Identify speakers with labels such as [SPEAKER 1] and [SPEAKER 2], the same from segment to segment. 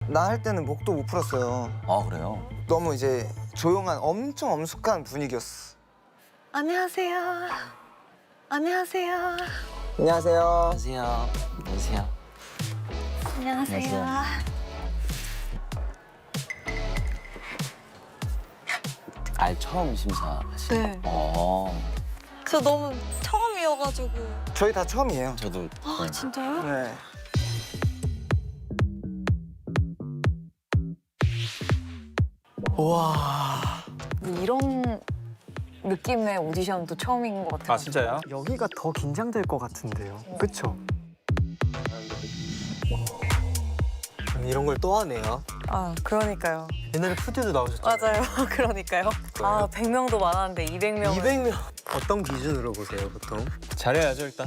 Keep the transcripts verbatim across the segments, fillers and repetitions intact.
[SPEAKER 1] 나 할 때는 목도 못 풀었어요.
[SPEAKER 2] 아 그래요?
[SPEAKER 1] 너무 이제 조용한 엄청 엄숙한 분위기였어.
[SPEAKER 3] 안녕하세요. 안녕하세요.
[SPEAKER 1] 안녕하세요.
[SPEAKER 2] 안녕하세요. 안녕하세요.
[SPEAKER 3] 안녕하세요.
[SPEAKER 2] 아 처음 심사하시.
[SPEAKER 3] 네.
[SPEAKER 2] 어.
[SPEAKER 3] 저 너무 처음이어가지고.
[SPEAKER 1] 저희 다 처음이에요.
[SPEAKER 2] 저도.
[SPEAKER 3] 아
[SPEAKER 2] 네.
[SPEAKER 3] 진짜요?
[SPEAKER 1] 네.
[SPEAKER 4] 와.
[SPEAKER 5] 이런 느낌의 오디션도 처음인 것 같아요.
[SPEAKER 4] 아 진짜요?
[SPEAKER 6] 여기가 더 긴장될 것 같은데요. 그쵸?
[SPEAKER 4] 이런 걸 또 하네요.
[SPEAKER 5] 아, 그러니까요.
[SPEAKER 4] 옛날에 푸드도 나오셨잖아요.
[SPEAKER 5] 맞아요. 그러니까요. 아, 백 명도 많았는데 이백 명.
[SPEAKER 4] 이백 명. 어떤 기준으로 보세요, 보통?
[SPEAKER 7] 잘해야죠 일단.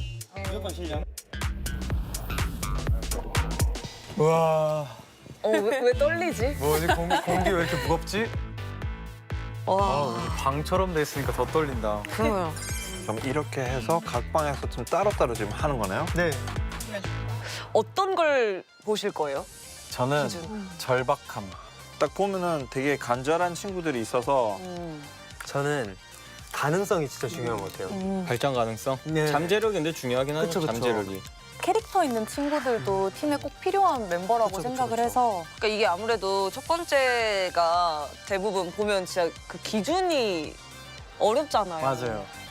[SPEAKER 4] 우와.
[SPEAKER 5] 어, 왜, 왜 떨리지?
[SPEAKER 4] 뭐지? 공, 공기 왜 이렇게 무겁지?
[SPEAKER 5] 와,
[SPEAKER 4] 아, 방처럼 돼 있으니까 더 떨린다.
[SPEAKER 5] 그러요.
[SPEAKER 7] 그럼 이렇게 해서 각 방에서 좀 따로따로 지금 하는 거네요?
[SPEAKER 4] 네.
[SPEAKER 5] 어떤 걸 보실 거예요?
[SPEAKER 7] 저는
[SPEAKER 5] 기준.
[SPEAKER 7] 절박함. 딱 보면은 되게 간절한 친구들이 있어서
[SPEAKER 5] 음.
[SPEAKER 4] 저는 가능성이 진짜 중요한 것 같아요.
[SPEAKER 5] 음.
[SPEAKER 7] 발전 가능성?
[SPEAKER 4] 네.
[SPEAKER 7] 잠재력인데 중요하긴 하죠,
[SPEAKER 4] 그쵸, 그쵸.
[SPEAKER 7] 잠재력이.
[SPEAKER 5] 캐릭터 있는 친구들도 팀에 꼭 필요한 멤버라고
[SPEAKER 4] 그쵸, 그쵸,
[SPEAKER 5] 생각을
[SPEAKER 4] 그쵸.
[SPEAKER 5] 해서
[SPEAKER 3] 그러니까 이게 아무래도 첫 번째가 대부분 보면 진짜 그 기준이 어렵잖아요.
[SPEAKER 4] 맞아요.